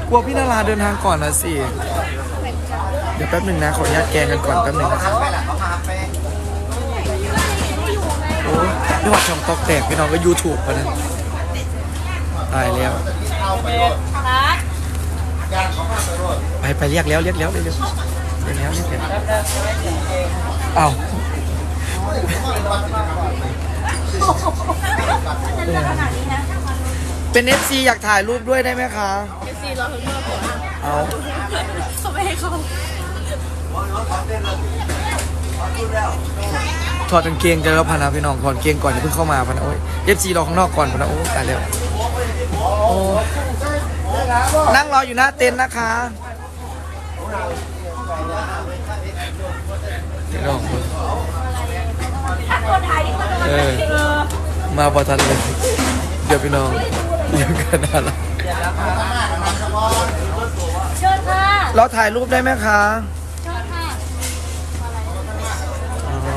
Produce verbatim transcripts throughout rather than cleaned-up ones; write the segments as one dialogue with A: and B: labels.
A: กลัวพี่นาราเดินทางก่อนนะสิเดี๋ยวแป๊บหนึ่งนะขออนุญาตแกงกันก่อนแป๊บหนึ่งนะครับโอ้ยพี่วัดช่องตอกแตกพี่น้องก็ยูทูบกันนะตายแล้วไปไปเรียกแล้วเรียกแล้วเรียกแล้วเรียกแล้วเรียกแล้วอ้าวเป็น เอฟ ซี อยากถ่ายรูปด้วยได้ไหมคะ
B: เอฟซีเราถึงเมื่อผม
A: เอา
B: เขาไม่ให้เขา
A: ถอดกางเกงจะแล้วพานาพี่น้องถอดกางเกงก่อนอย่าเพิ่งเข้ามาพานาโอ้ย เอฟ ซี รอข้างนอกก่อนพานาโอ้ตายแล้วโอ้นั่งรออยู่หน้าเต็นท์นะคะรอเออมาพอทันเลยเดี๋ยวพี่น้องเดี๋ยวกันอะไร
B: เชิญค่ะ
A: เราถ่ายรูปได้ไหมคะ
B: เชิญค่ะ
A: อ๋อ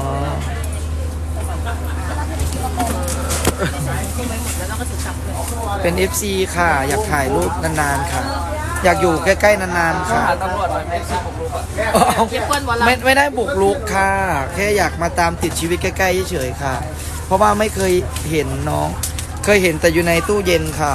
A: เป็น เอฟ ซี ค่ะ อยากถ่ายรูปนานๆค่ะ อยากอยู่ใกล้ๆนานๆค่ะตำรวจไม่ได้บุกรุกอ่ะไม่ไม่ได้บุกรุกค่ะแค่อยากมาตามติดชีวิตใกล้ๆเฉยๆค่ะ เพราะว่าไม่เคยเห็นน้อง เคยเห็นแต่อยู่ในตู้เย็นค่ะ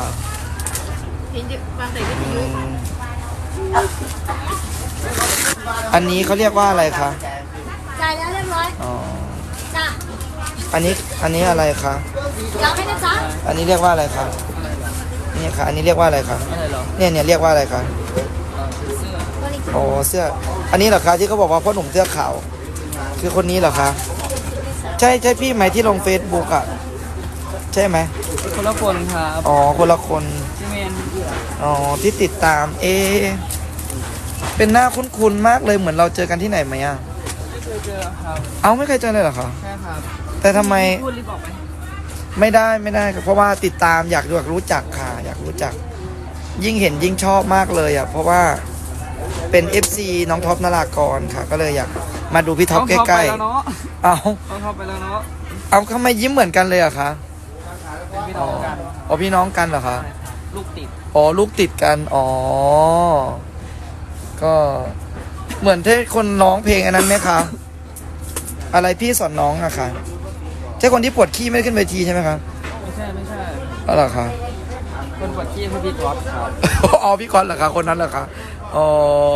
A: อันนี้เขาเรียกว่าอะไรคะ
B: จ่ายแล้วเรียบร้อย
A: อ๋อ
B: จ้ะ
A: อันนี้อันนี้อะไรคะ
B: รับให้นะจ๊ะ
A: อันนี้เรียกว่าอะไรคะนี่ค่ะอันนี้เรียกว่าอะไรคะเนี่ยเนี่ยเรียกว่าอะไรคะอ๋อเสื้ออันนี้เหรอคะที่เขาบอกว่าพ่อหนุ่มเสื้อขาวคือคนนี้เหรอคะใช่ใช่พี่ไหมที่ลงเฟซบุ๊กอ่ะใช่ไหม
C: คนละคนครับ
A: อ๋อคนละคน
C: ที่เมน
A: อ๋อที่ติดตามเอเป็นหน้าคุ้นๆมากเลยเหมือนเราเจอกันที่ไหนไหมอ่ะ
C: ไม่เคยเจอครับ
A: เอาไม่เคยเจอเลยเหรอคะ
C: ใช่ครับ
A: แต่ทำไม
C: พูดรีบบอกไหม
A: ไม่ได้ไม่ได้เพราะว่าติดตามอยากอยากรู้จักค่ะอยากรู้จักยิ่งเห็นยิ่งชอบมากเลยอ่ะเพราะว่าเป็น เอฟ ซี น้องท็อปนรากรค่ะก็เลยอยากมาดูพี่ท็อปใกล้ๆเอา
C: ต้องท็อปไปแล้วเนาะ
A: เอาทำไมยิ้มเหมือนกันเลยอะคะ
C: พี่น้องกัน
A: อ๋อพี่น้องกันเหรอคะ
C: ลูกติด
A: อ๋อลูกติดกันอ๋อก็เหมือนที่คนร้องเพลงอันนั้นไหมคะอะไรพี่สอนน้องอะค่ะใช่คนที่ปวดขี้ไม่ได้ขึ้นเวทีใช่ไหมคะ
C: ไม่ใช่ไม่ใช่
A: อะไรอคะ
C: คนปวดขี้คือพี่ก๊อตครับ
A: อ๋อพี่ก๊อตเหรอคะคนนั้นเหรอคะอ๋อ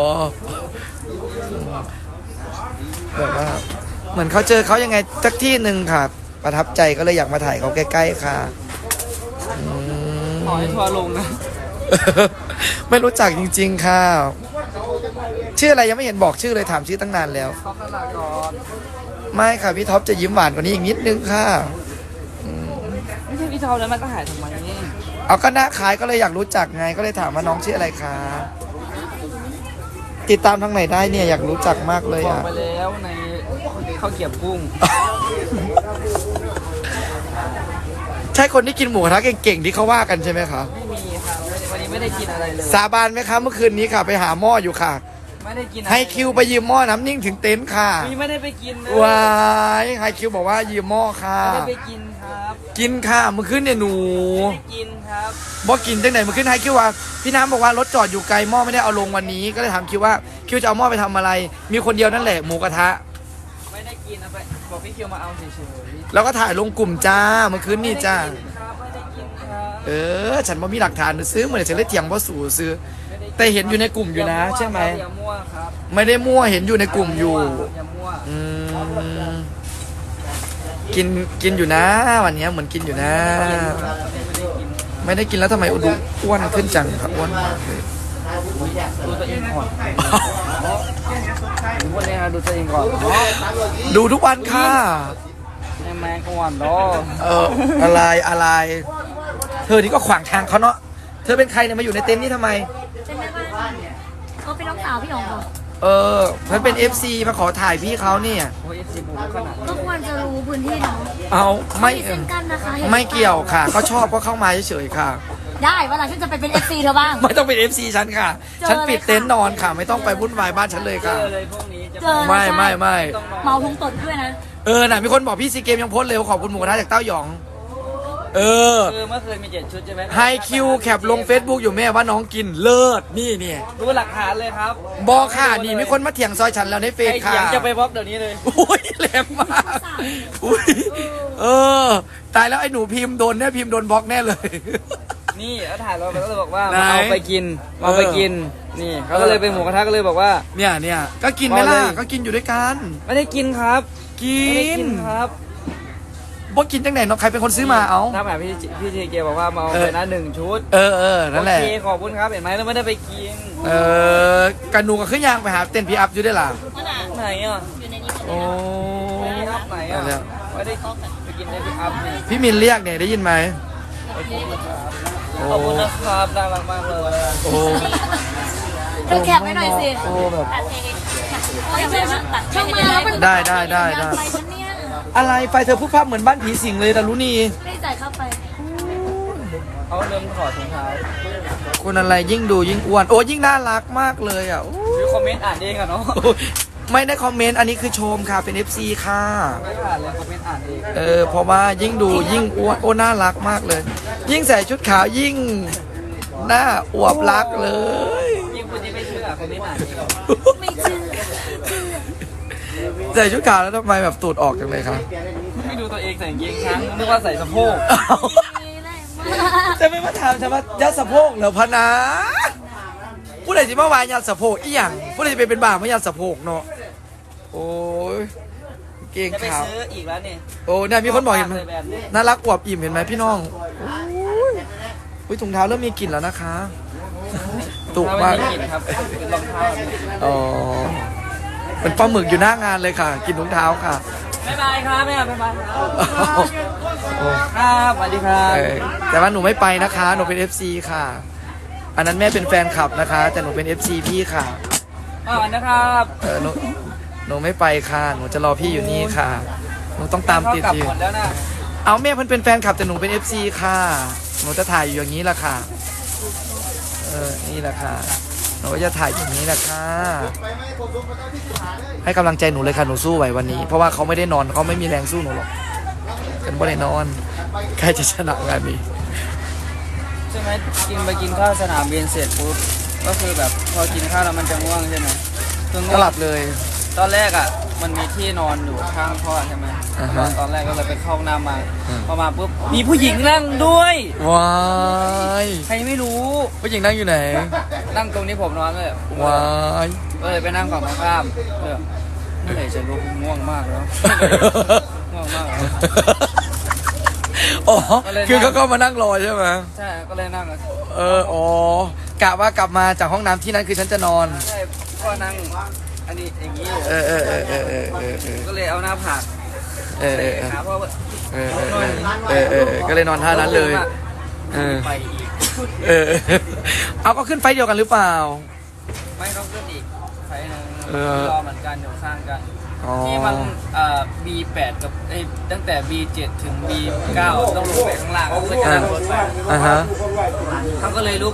A: แบบว่าเหมือนเขาเจอเขายังไงสักที่หนึ่งค่ะประทับใจก็เลยอยากมาถ่ายเขาใกล้ๆค่ะ
C: ขอให้ทัวร์ลงนะ
A: ไม่รู้จักจริงๆค่ะชื่ออะไรยังไม่เห็นบอกชื่อเลยถามชื่อตั้งนานแล้ว
C: ท็อปนรากร
A: ไม่ค่ะพี่ท็อปจะยิ้มหวานกว่านี้อีกนิดนึงค่ะ
C: ไม่ใช่พี่ท็อปแล้วมันก็หายทำไมนี่
A: เอาก็หน้าขายก็เลยอยากรู้จักไงก็เลยถามว่าน้องชื่ออะไรคะติดตามทางไหนได้เนี่ยอยากรู้จักมากเลยอ่ะ
C: บอกไปแล้วในข้าวเกรี๊ยวกุ้ง
A: ใช่คนที่กินหมูกระทะเก่งๆที่เขาว่ากันใช่ไหมคะ
C: ไม่มีครับวันนี้ไม่ได้กินอะไรเลย
A: สาบานไหมคะเมื่อคืนนี้ค่ะไปหาหม้ออยู่ค่ะ
C: ไม่ได้กิน
A: ให้คิวไปยืมหม้อน้ำนิ่งถึงเต็นท์ค่ะ
C: ไม่ได้ไปกินนะ
A: ว้ายให้คิวบอกว่ายืมหม้อค่ะ
C: ไม่ได้ไปกินครับ
A: กินค่ะเมื่อคืนเนี่ยหนู
C: ไม่ได้กินครับ
A: บอกกินจังไหนเมื่อคืนให้คิวว่าพี่น้ำบอกว่ารถจอดอยู่ไกลหม้อไม่ได้เอาลงวันนี้ก็เลยถามคิวว่าคิวจะเอาหม้อไปทำอะไรมีคนเดียวนั่นแหละหมูกระทะ
C: ไม่ได้กินเอาไปบอกพี่คิวมาเอาเฉย
A: ๆแล้วก็ถ่ายลงกลุ่มจ้าเมื่อคืนนี่จ้าเออฉันบ่มีหลักฐานซื้อเหมือนฉันเลยเถียงว่าสู่ซื้อแต่เห็นอยู่ในกลุ่มอยู่นะใช่ไหมไม่ได้มั่วเห็นอยู่ในกลุ่มอยู่อืมกินกินอยู่นะวันนี้เหมือนกินอยู่นะไม่ได้กินแล้วทำไมอุดอ้วนขึ้นจังครับอ้วนมากเลย
C: ดูตัวเองก่อนวันนี้ดูตัวเองก่อน
A: ดูทุกวันค่ะ
C: แม่ก่อนเนาะ
A: เอออะไรอะไรเธอนี่ก็ขวางทางเขาเนาะเธอเป็นใครเนี่ยมาอยู่ในเต็นท์นี่ทำไม
B: เป็นแม่บ้านเขาเป็นน้องสาวพี่อ๋องเหรอ
A: เออมันเป็น เอฟ ซี มาขอถ่ายพี่เขาเนี่ย
B: ก็ควรจะรู้พื้นที่เนาะ
A: เอาไม่ไม่เกี่ยวค่ะเขาชอบก็เข้ามาเฉยๆค่ะ
B: ได้เวลาฉันจะไปเป็น เอฟ ซี เธอบ้าง
A: ไม่ต้องเป็น เอฟ ซี ฉันค่ะฉันปิดเต็นท์นอนค่ะไม่ต้องไปวุ่นวายบ้านฉันเลยค่ะไม่ไม่ไม่
B: เมาทุงตดด้วยนะ
A: เออน่ะมีคนบอกพี่ซีเกมยังโพสเร็วขอบคุณหมูกระทะจากเต้าหยองเออ
C: คือเมื่อคืนมีเจ็ดชุดใช่ไหม
A: ไฮคิวแคปลง Facebook อยู่แม่ว่าน้องกินเลิศนี่เนี่ย
C: รู้หลักฐานเลยครับ
A: บอกค่ะนี่มีคนมาเถียงซอยฉันแล้วในเฟซ
C: ไอ้
A: ค่ะ
C: เถียงจะไปบล็อกเดี๋ยวนี้เลย
A: อุ้ยแหลมมากอุ้ยเออตายแล้วไอ้หนูพิมพ์โดนเนี่ยพิมพ์โดนบล็อกแน่เลย
C: นี่แล้วถ่ายเราไปก็เลยบอกว่า
A: ไหน
C: มาเอาไปกินมาเอาไปกิน นี่เขาก็เลยเป็นหมูกระทะก็เลยบอกว่า
A: เนี่ยเนี่ยก็กินไหมล่ะ
C: เอาเลย
A: ก็กินอยู่ด้วยกัน
C: ไม่ได้กินครับ
A: กิ
C: ไม่ได้
A: น
C: กินครับ
A: บ่กินจังไหนเนาะใครเป็นคนซื้อมาเอา
C: ถ้าหาพี่พี่ทีเกบอกว่ามาเอา
A: เออ
C: ไปนะหนึ่งชุด
A: เออเออนั่นแหละ
C: โอเคขอบคุณครับเห็นไหมเราไม่ได้ไปกิน
A: เออกันหนูกับขึ้นยางไปหาเต้นพี่อัพอยู่ได้ล่ะ
C: ไหนอ่ะ
A: โอ้
C: พี่อัพไหนอ่ะ
A: เอาแล้ว
C: ไม่ได้ไปกินได้พี่อัพนี่
A: พี่มินเรียกเนี่ยได้ยินไหม
C: ขอบคุณนะครับน่ารักมากเลย
A: โอ้
B: เธอแคปไว้หน่อยสิ
A: โอ้แบบ
B: โอ้ยเธอช่องมาแล้วมัน
A: ได้ได้ได้ได้
B: ไปฉันเนี่ย
A: อะไรไฟเธอพูดภาพเหมือนบ้านผีสิงเลยแต่รู้นี่
B: ไม่ได้จ่ายค่าไฟ
C: เขาเริ่มถอดถุงเท้า
A: คนอะไรยิ่งดูยิ่งอ้วนโอ้ยิ่งน่ารักมากเลยอ่ะโอ้
C: มีคอมเมนต์อ่านเองอะเนาะ
A: ไม่ได้คอมเมนต์อันนี้คือชมค่ะเป็น เอฟ ซี ค่ะ
C: ไม่อ่านเลยคอมเมนต์อ่านเอง
A: เออเพราะว่ายิ่งดูยิ่งอ้วนโอ้น่ารักมากเลย ยิ่งใส่ชุดขาวยิ่งหน้าอวบรักเลย
C: ยิ่งคนที่ไม่เชื่อคอมเมนต์อ่านเอง
B: ไม่เชื่อ
A: ใส่ชุดขาวแล้วทำไมแบบตูดออกจังเลยครับ
C: ไม่ดูตัวเองใส่กางเกงช้างนึกว่าใส่สะโพก
A: จะไม่มาถามฉันว่ายัดสะโพกเหรอพะนะผู้ใดจะมาวายยัดสะโพกอีหยังผู้ใดจะไปเป็นบ้าไม่ยัดสะโพกเนาะโอ้ยเก่ง
C: จะไป
A: ขาว
C: ซื้ออีกแล้วนี่
A: โอ้เนี่ยมีคนบอกเห็นไหม
C: แบบนี้
A: น่ารักอวบอิ่มเห็นไหมพี่น้องโอ้ยอุ๊ยถุงเท้าเริ่มมีกลิ่นแล้วนะคะตุกมาก
C: ถ้ไม่ได้กินครับเป็นรองเท้าแบบนี้
A: อ๋อเป็นปลาหมึกอยู่หน้างานเลยค่ะ กินถุงเท้าค่ะ
C: บ๊ายบายครับแม่บ๊ายบายครับครับสวัสดีครับ
A: เออแต่ว่าหนูไม่ไปนะคะ หนูเป็น เอฟ ซี ค่ะ อันนั้นแม่เป็นแฟนคลับนะคะ แต่หนูเป็น เอฟ ซี พี่ค่ะ
C: อ่านะครับ
A: เออหนูหนูไม่ไปค่ะ หนูจะรอพี่อยู่นี่ค่ะ หนูต้องตามติด
C: เขากลับ
A: อยู่
C: หมดแล้วนะ
A: เอาแม่เพิ่นเป็นแฟนคลับแต่หนูเป็น เอฟ ซี ค่ะ หนูจะถ่ายอยู่อย่างนี้แหละค่ะ เออ นี่แหละค่ะ หนูก็จะถ่ายอย่างนี้แหละค่ะ ให้กำลังใจหนูเลยค่ะ หนูสู้ไหววันนี้ เพราะว่าเขาไม่ได้นอนเขาไม่มีแรงสู้หนูหรอกกันไม่ได้นอน ใครจะชนะงานนี้
C: ใช่ไหมกินไปกินข้าวสนามบินเสร็จปุ๊บก็คือแบบพอกินข้าวแล้วมันจะง่วงใช่ไหมคือง่
A: ก็
C: วง
A: หลับเลย
C: ตอนแรกอ่ะมันมีที่นอนอยู่ข้างพ่อใช่ไหม
A: อ่าฮะ
C: ตอนแรกก็เลยไปเข้าห้องน้ำมา
A: อืม
C: พอมาปุ๊บมีผู้หญิงนั่งด้วย
A: ว้าย
C: ใครไม่รู้
A: ผู้หญิงนั่งอยู่ไหน
C: นั่งตรงนี้ผมนอนเลย
A: ว้าย
C: ก็เลยไปนั่งฝั่งตรงข้ามเออเมื่อไหร่จะรู้ง่วงมากแล้วง่วงมากแล้ว
A: อ๋อ
C: ก็เลยนั่ง
A: คือเขาก็มานั่งรอใช่ไหม
C: ใช่ก็เลยนั่งอะ
A: เออ อ๋อ กะว่ากลับมาจากห้องน้ำที่นั้นคือฉันจะนอน
C: ใช่พ่อนั่งอันนี้อย่างนี้อยู่
A: เออเออเออเออเออเออเออ
C: ก็เลยเอาหน้าผาก
A: เออเออเออ
C: หาพ่อว่า
A: เออเออเออเออเออก็เลยนอนท่านั้นเลย เออ
C: ไปอีก
A: เออ เอาก็ขึ้นไฟล์เดียวกันหรือเปล่า
C: ไม่ต้องขึ้นอีกไฟหนึง
A: เออ
C: รอเหมือนกันเดี๋ยวข้างกัน
A: อ๋อ
C: ที่มันเอ่อ บี แปด กับเอ้ยตั้งแต่ บี เจ็ด ถึง บี เก้า ต้องลงไปข้างล่างก็จะนั่งรถไป
A: อ่าฮะ
C: เขาก็เลยลุก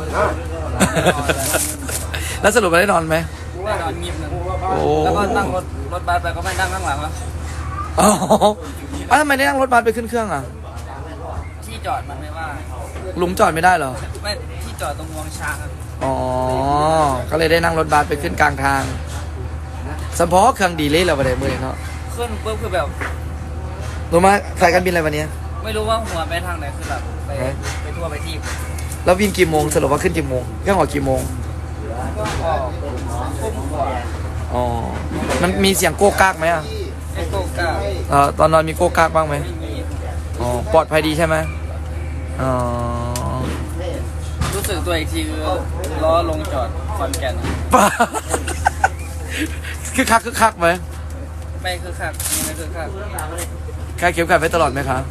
A: แล้วสรุปมาได้นอนไหม
C: แน่นอนงีบหนึ่ง
A: โอ้
C: แล้วก็นั่งรถรถบัสไปก็ไม่นั่งข้างหลังแล้ว
A: อ๋ออ้าวทำไมได้นั่งรถบัสไปขึ้นเครื่องอ่ะ
C: ที่จอดมันไม่ว่าง
A: ลุงจอดไม่ได้เหรอ
C: ไม่ที่จอดตรงงวงช้างครับ
A: อ๋อ ก็เลยได้นั่งรถบัสไปขึ้นกลางทางสมพอเครื่องดีเลยเราไปได้เมื่อเนาะ
C: ขึ้นปุ๊บคือแบบ
A: รู้ไหมสายการบินอะไรวันนี้
C: ไม่รู้ว่าหัวไปทางไหนคือแบบไป
A: ฮะ
C: ไปทั่วไปที่
A: แล้วบินกี่โมงสรุปว่าขึ้นกี่โมงเครื่องออกกี่โมง
C: ก็ออกทุ่มกว่า
A: อ๋อ มันมีเสียงโก้กากไหมอ่ะ
C: ไอ้โก้ก้า
A: เอ่อตอนนอนมีโก้กากบ้างไหม
C: ไม่มี
A: อ๋อ ปลอดภัยดีใช่ไหมอ๋อ
C: รู้สึกตัวอีกทีคือล้อลงจอดคอนแก่น
A: ป้าคือคักคือคักไหม
C: ไม่คือคักไม่คือคัก
A: คาเข็มขัดไว้ตลอดไหมคะ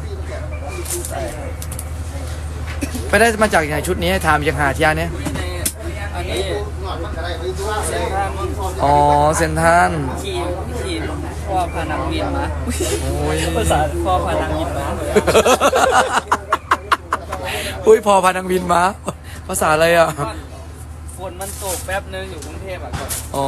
A: ไปได้มาจากไหนชุดนี้ให้ถามยังหาที่อันเนี้ย
C: ในอันนี้เส้นทาง
A: อ๋อ เซนทรัน
C: ขี่ขี่พ่อพานังวินมา
A: โอ้ย
C: ภาษาพ่อพานังวินมา
A: อุ้ยพอพานังบินมา ภาษาอะไรอ่ะ
C: ฝนมันตกแป๊บนึงอยู่กรุงเทพอ่ะก่อน
A: อ๋อ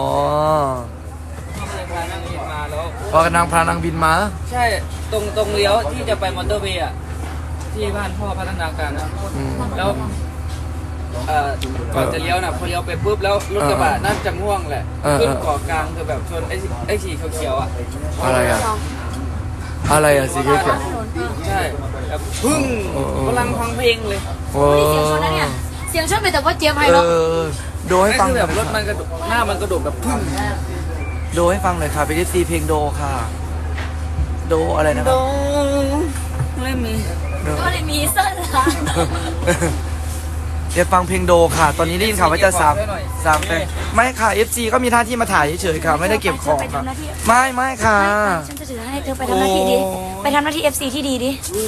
C: ก็เลยพานังวินมาแล้ว
A: พอกำลังพานังบินมา
C: ใช่ตรงตรงเลี้ยวที่จะไปมอเตอร์เวย์อ่ะที่บ้านพ่อพัฒนาการนะ
A: อืม
C: แล้วเอ่อก่อนจะเลี้ยวนะพอเลี้ยวไปปุ๊บแล้วรถกระบะน่าจะง่วงแหละ
A: เออ
C: ขึ้นเกาะกลางคือแบบชนไอ้ไอ้สีเขียวๆอ่ะ
A: อะไรอ่ะ อะไรอ่ะสีเขียว
C: ใช่แบบพึ่ง
A: เออเออ
C: กำลังฟังเพลงเลย
A: ๆโอ้
B: เสียงชนนะเนี่ยเสียงชนไปแต่ว่าเจี๊ยบให้
A: เอ
B: เนาะ
A: อโดให้
C: ไม่
A: ฟัง
C: คือ
A: หน่
C: แบ
A: อย
C: บรถมันกระโดดหน้ามันกระโดดแบบพึ่ง
A: โดให้ฟังหน่อยค่ะเป็นซีเพลงโดค่ะ โดอะไรนะค
C: โด
A: รับ
C: ไม่มี
A: โด
B: ก็เลยมีเส้นละ
A: เดี๋ยวฟังเพลงโดค่ะ ตอนนี้ได้ยินข่าวว่าจะสามสามแฟนไม่ค่ะ เอฟ ซี ก็มีท่าที่มาถ่ายเฉยๆค่ะ ไม่ได้เก็บของค่ะไม่ไม่ค่ะ
B: ฉันจะถือให้เธอไปทำหน้าที่ดิไปทำหน้าที่ เอฟ ซี ที่ดีดิ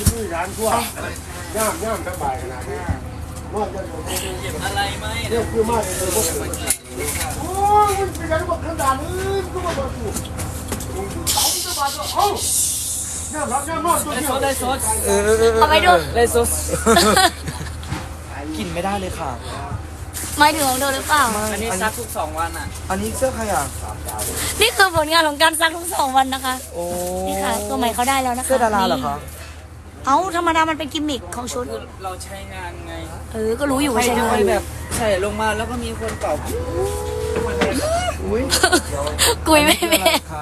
C: อะไรไหม ได้ซดได้ซด
A: เออเออเออ
B: เอาไปดู
C: ได้ซด
A: กินไม่ได้เลยค่ะ
B: หมายถึงของเธอหรือเปล่า
C: อันนี้ซักทุกสองวันอ่ะ
A: อันนี้เสื้อใครอ่ะ
B: นี่คือผลงานของการซักทุกสองวันนะคะ
A: โอ้
B: นี่ค่ะ ตัวใหม่เขาได้แล้วนะคะ
A: เสื้อดาราเหรอคะ
B: เอ้าธรรมดามันเป็นกิมมิคของชุด
C: คือเราใช้งานไง
B: เออ ก็รู้อยู่
C: ใคร
B: ว่าใช่
C: จะ
B: ไห
C: ไป
B: ม
C: แบบใส่ลงมาแล้วก็มีคนเป่า
A: อุ้ย
B: กุยไม่แม่
A: ค่ะ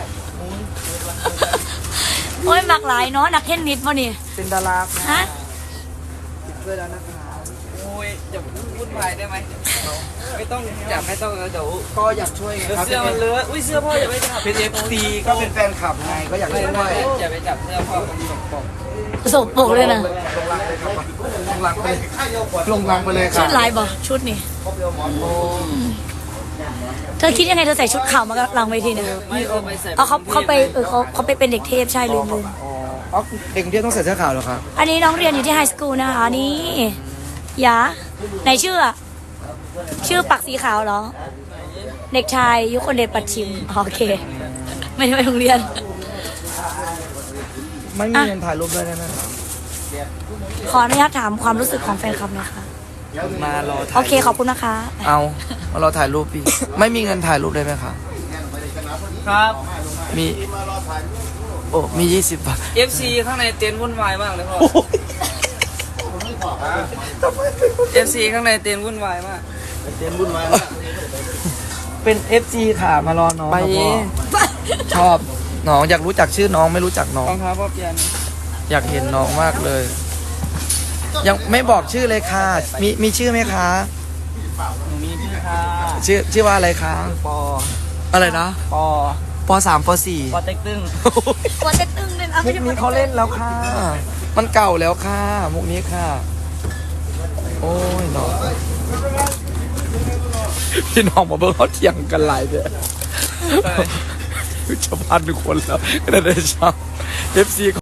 B: โอ้ยหมากหลายเนาะนักเทนนิสมานี่
A: เป็นดาราค่ะ
B: ฮะ
A: เสื้อแล้วนะคะ
C: โอ้ยอย่าวุ่นวายได้ไหมไม่ต้องอยากไม่ต้องแล้วเดี๋ยว
A: ก็อยากช่วยไงครับ
C: เสื้อมันเลอะอุ้ยเสื้อพ่ออย่าไปจับ
A: เป็น เอฟ ซี ก็เป็นแฟนคลับไงก็อยาก
C: ไม่
A: ช่วย
C: ไม่อย่าไปจับเสื้อพ่อมันสกปรก
B: สกปรกเลยนะ
A: ลงลังไปลงลังไปเลย
B: ชุ
A: ค่ะ
B: ดลายบ่ชุดนี่เธอคิดยังไงเธอใส่ชุดขาวมาหลังเวทีเนี่ย
C: ไม่เอาไปใส่
B: เอาเขาเขาไปเออเขาเขาไปเป็นเด็กเทพใช่ลืมลืม
A: อ๋ออ๋อเด็กกรุงเทพต้องใส่เสื้อขาวเหรอครับ
B: อันนี้น้องเรียนอยู่ที่ไฮสคูลนะคะนี่ยาไหนชื่ออะชื่อปักสีขาวเหรอ เด็กชายยุคนเดชปัดชิมอ๋อโอเค ไม่ได้ไปโรงเรียน
A: ไม่มีเงินถ่ายรูปด้วยได้ไหมครับ
B: ขออนุญาตถามความรู้สึกของแฟนคลับหน่อยค่ะ
A: มารอถ่าย
B: โอเคขอบคุณนะคะ
A: เอามารอถ่ายรูปพี่ ไม่มีเงินถ่ายรูปได้ไหมครับ
C: ครับ
A: มีโอ้มียี่สิบบาท
C: เอฟซีข้างในเต็นท์วุ่นวายมากเลยพ่อเอฟซีข้างในเต็นท์วุ่นวายมาก
A: เป็น เอฟ ซี ค่ะมารอน้อง
C: ไป
A: ครับพ่อชอบน้องอยากรู้จักชื่อน้องไม่รู้จักน้อง
C: รองเท้าพ่อเปลี่ยน
A: อยากเห็นน้องมากเลย ยังไม่บอกชื่อเลยค่ะ มีมีชื่อไหมคะ
C: หนูมีพี่ค่ะ
A: ชื่อชื่อว่าอะไรคะ
C: ปอ
A: อะไรนะ
C: ปอ
A: ปสามปสี่
C: ปอเต็กตึ้ง
B: หัวเต็ตึงเลยนะ
A: มุกนี้เขาเล่นแล้วค่ะ มันเก่าแล้วค่ะ มุกนี้ค่ะ โอ้ยน้องพี่น้องมาเบิ่งเขาเถียงกันหลายเด้อจะพันคนแล้วก็ได้ได้ช่างเอฟซี